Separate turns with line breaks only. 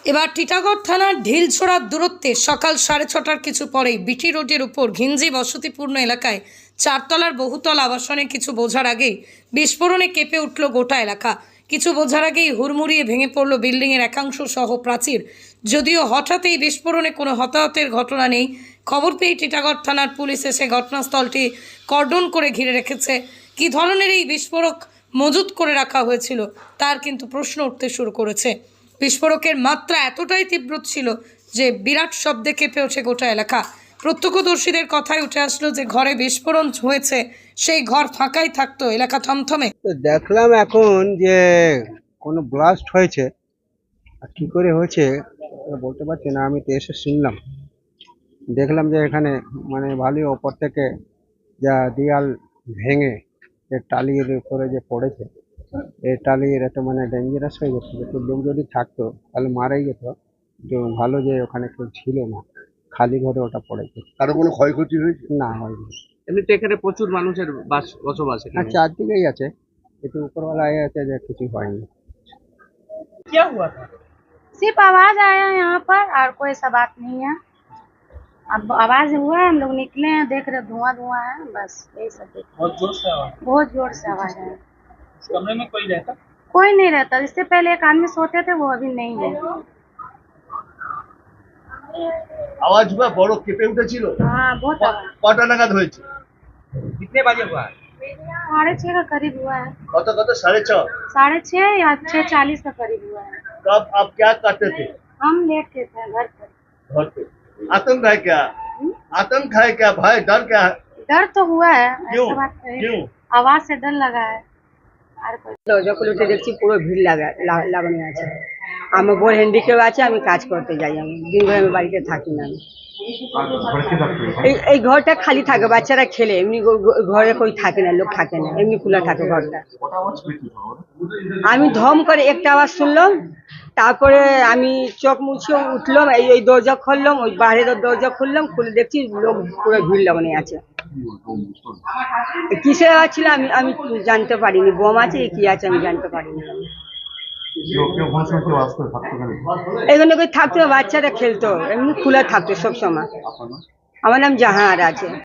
এবার টিটাগড় থানার ঢিলছোড়ার দূরত্বে সকাল 6:30টার কিছু পরেই বিটি রোডের উপর ঘিঞ্জি বসতিপূর্ণ এলাকায় চারতলার বহুতল আবাসনে কিছু বোঝার আগেই বিস্ফোরণে কেঁপে উঠল গোটা এলাকা। কিছু বোঝার আগেই হুড়মুড়িয়ে ভেঙে পড়ল বিল্ডিংয়ের একাংশ সহ প্রাচীর। যদিও হঠাৎ এই বিস্ফোরণে কোনো হতাহতের ঘটনা নেই। খবর পেয়ে টিটাগড় থানার পুলিশ এসে ঘটনাস্থলটি কর্ডন করে ঘিরে রেখেছে। কী ধরনের এই বিস্ফোরক মজুত করে রাখা হয়েছিল তার কিন্তু প্রশ্ন উঠতে শুরু করেছে। বিস্ফোরকের মাত্রা এতটাই তীব্র ছিল যে বিরাট শব্দে কেঁপে ওঠে গোটা এলাকা। প্রত্যক্ষদর্শীদের কথায় উঠে আসলো যে ঘরে বিস্ফোরণ হয়েছে সেই ঘর ফাঁকাই থাকতো, এলাকা থমথমে।
তো দেখলাম এখন যে কোনো ব্লাস্ট হয়েছে, আর কি করে হয়েছে ওটা বলতে পারছি না। আমি তো এসে শুনলাম, দেখলাম যে এখানে মানে ভালোই ওপর থেকে যা দেয়াল ভেঙে যে টালির উপরে যে পড়েছে, এই টালির একটা মানে ডেঞ্জারাস হয়ে গেছে। একটু লোক যদি থাকতো তাহলে মারাই যেত। তো ভালো যে ওখানে কেউ ছিল না, খালি ঘরে ওটা পড়েছে।
কারো কোনো ক্ষয়ক্ষতি হয়েছে?
না, হয়নি।
এমনিতে এখানে প্রচুর মানুষের বসবাস
আর
এখানে।
চারদিকেই আছে, একটু উপরওয়ালা আছে যে কিছু হয়নি।
क्या हुआ था?
सिर्फ आवाज आया यहाँ पर और कोई ऐसा बात नहीं है। अब आवाज हुआ है, हम लोग निकले हैं, देख रहे धुआं धुआं है, बस यही सब देख रहे
बहुत जोर से आवाज।
हैं। बहुत जोर से आवाज है।
इस कमरे में कोई रहता?
कोई नहीं रहता, इससे पहले एक आदमी सोते थे, वो अभी नहीं है।
আওয়াজ বা বড় কেঁপে উঠেছিল?
हाँ बहुत आवाज।
কটা নাগাদ হয়েছে?
कितने बजे हुआ?
6:30 का करीब हुआ है।
কত 6:30?
6:30 या 6:40 का करीब हुआ है।
तब आप क्या करते थे
हम लेट के थे घर पर।
घर पे? आतंक है क्या? आतंक है क्या? भय डर क्या है?
डर तो हुआ है,
क्यों?
ऐसा बात नहीं।
क्यों?
आवाज से डर लगा है। আর
দরজা খুলে উঠে দেখছি পুরো ভিড় লাগানো আছে। আমার বোন হ্যান্ডিক্যাপ আছে, আমি কাজ করতে যাই, আমি দিন ভরে আমি বাড়িতে থাকি না। এই ঘরটা খালি থাকে, বাচ্চারা খেলে, এমনি ঘরে কই থাকে না, লোক থাকে না, এমনি খোলা থাকে ঘরটা। আমি ধম করে একটা আওয়াজ শুনলাম, তারপরে আমি চোখ মুছিয়ে উঠলাম, এই দরজা খুললাম, ওই বাইরের দরজা খুললাম, খুলে দেখছি লোক পুরো ভিড় লাগানো আছে। কিসের আওয়াজ ছিল আমি জানতে পারিনি, বোম আছে কি আছে আমি জানতে পারিনি। এখানে কই থাকতো, বাচ্চারা খেলতো, এমনি খোলা থাকতো সব সময়। আমার নাম জাহান আছে।